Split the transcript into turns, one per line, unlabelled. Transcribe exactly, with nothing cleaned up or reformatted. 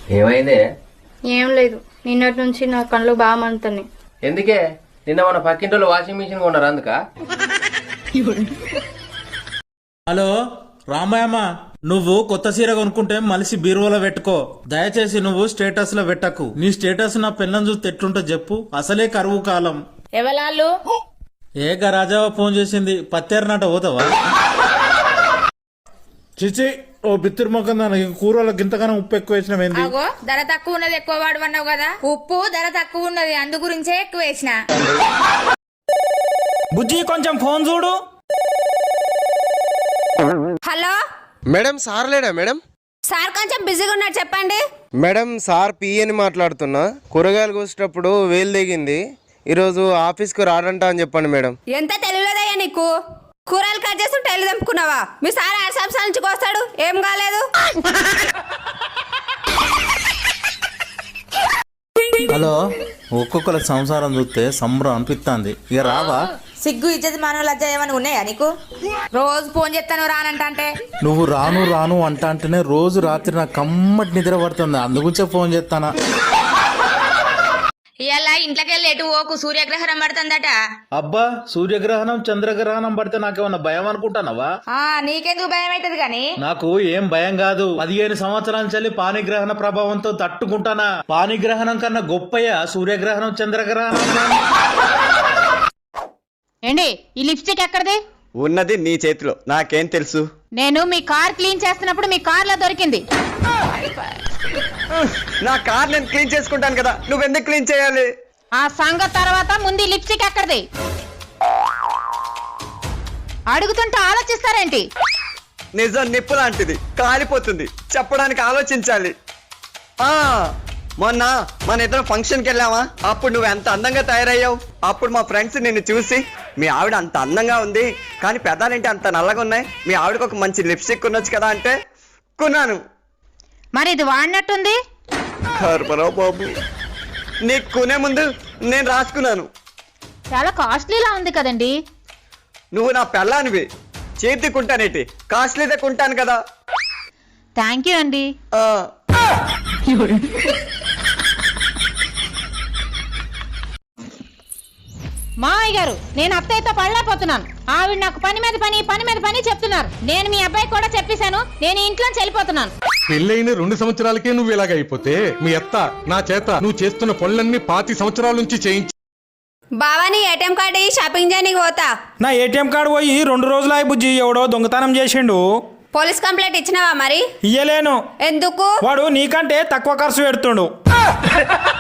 ఏమైందే?
ఏం లేదు, నిన్నటి నుంచి నా కళ్ళు బాగా మండుతున్నాయి.
ఎందుకే? నిన్న మన పక్కింటోళ్ళు వాషింగ్ మిషన్ కొన్నారు అందుక?
హలో రామాయమ్మ, నువ్వు కొత్త సీర కొనుక్కుంటే మలిసి బీరువాలో పెట్టుకో. దయచేసి నువ్వు స్టేటస్ లో పెట్టకు. నీ స్టేటస్ నా పిల్లని చూస్తే ఎట్లుంటో చెప్పు. అసలే కరువు కాలం.
ఎవలాళ్ళు?
ఏ గరాజావా ఫోన్ చేసింది. పత్తేరనట పోతావా? చిచి, ఓ బిత్తిరి మొక్కం దానికి కూరలో గింతగానం ఉప్పు ఎక్కువ వేసినవేంది?
అగో ధర తక్కువ ఉన్నది ఎక్కువ వాడమన్నావు కదా. ఉప్పు ధర తక్కువ ఉన్నది అందు గురించే ఎక్కువ వేసిన.
బుజ్జి కొంచెం ఫోన్ చూడు.
హలో
మేడం, సార్ లేడా మేడం?
సార్ కొంచెం బిజీగా ఉన్నారు, చెప్పండి.
మేడం, సార్ పిఏని మాట్లాడుతున్నా. కూరగాయలు కోసేటప్పుడు వేలు దిగింది. ఈరోజు ఆఫీస్కు రాడంట అని చెప్పండి మేడం.
ఎంత తెలియలేదయ్యా నీకు? కూరలు కట్ చేసి టైలు తెంపుకున్నావా? మీ సార్ ఆరు సంవత్సరాల నుంచి కోస్తాడు, ఏం కాలేదు.
హలో, ఒక్కొక్కల సంసారం చూస్తే సంబరం అనిపిస్తుంది. ఇక రావా?
సిగ్గు ఇచ్చేది మన లజ్జ ఏమని ఉన్నాయా నీకు? రోజు ఫోన్ చేస్తాను రానంటే.
నువ్వు రాను రాను అంట అంటేనే రోజు రాత్రి నాకు కమ్మటి నిద్ర పడుతుంది. అందుగురించే ఫోన్ చేస్తానా.
ఇవాళ ఇంట్లోకి వెళ్ళి ఎటు ఓకు, సూర్యగ్రహణం పడుతుందట.
అబ్బా, సూర్యగ్రహణం చంద్రగ్రహణం పడితే నాకేమన్నా భయం అనుకుంటానవా?
ఆ నీకెందుకు భయం అవుతుంది గాని?
నాకు ఏం భయం కాదు. పదిహేను సంవత్సరాల నుంచి పానిగ్రహణ ప్రభావంతో తట్టుకుంటానా. పానిగ్రహణం కన్నా గొప్పయ్యా సూర్యగ్రహణం చంద్రగ్రహణం.
ఏండి ఈ లిప్స్టిక్ ఎక్కడిది?
ఉన్నది నీ చేతిలో, నాకేం తెలుసు?
నేను మీ కార్ క్లీన్ చేస్తున్నప్పుడు మీ కార్ లో దొరికింది.
నా కార్ నేను క్లీన్ చేసుకుంటాను కదా, నువ్వెందుకు క్లీన్ చేయాలి?
ఆ సంగతి తర్వాత ముందు లిప్స్టిక్ ఎక్కడిది? అడుగుతుంటే ఆలోచిస్తారేంటి?
నిజం నిప్పు లాంటిది, కాలిపోతుంది. చెప్పడానికి ఆలోచించాలి. ఆ మొన్న మన ఇద్దరం ఫంక్షన్కి వెళ్ళావా? అప్పుడు నువ్వు ఎంత అందంగా తయారయ్యావు. అప్పుడు మా ఫ్రెండ్స్ నిన్ను చూసి, మీ ఆవిడ అంత అందంగా ఉంది కానీ పెదాలేంటి అంత నల్లగా ఉన్నాయి, మీ ఆవిడకు ఒక మంచి లిప్స్టిక్ కొనొచ్చు కదా అంటే కొన్నాను.
మరి ఇది వాడినట్టుంది.
కర్మరావు బాబు, నీకు కొనే ముందు నేను రాసుకున్నాను.
చాలా కాస్ట్లీలా ఉంది కదండి.
నువ్వు నా పెళ్ళానివి, చేతి కుంటానేటి, కాస్ట్లీదే కొంటాను కదా.
థ్యాంక్ యూ అండి.
ఆ
మావయ్య గారు, నేను అత్తయ్యతో పడలేకపోతున్నాను. ఆవిడ నాకు పని మీద పని పని మీద పని చెప్తున్నారు. నేను మీ అబ్బాయి కూడా చెప్పేశాను, నేను ఇంట్లో వెళ్ళిపోతున్నాను.
పెళ్ళైన రెండు సంవత్సరాలకే నువ్వు ఇలాగ అయిపోతే మీ అత్త నా చేత నువ్వు చేస్తున్న పనులన్నీ పాతి సంవత్సరాల నుంచి చేయించి.
బావా నీ ఏటీఎం కార్డు షాపింగ్ చేయడానికి పోతా.
నా ఏటీఎం కార్డు పోయి రెండు రోజులు బుజ్జి. ఎవడో దొంగతనం చేసిండు.
పోలీస్ కంప్లైంట్ ఇచ్చినావా మరి?
ఇయ్యలేను.
ఎందుకు?
వాడు నీకంటే తక్కువ ఖర్చు పెడుతుండు.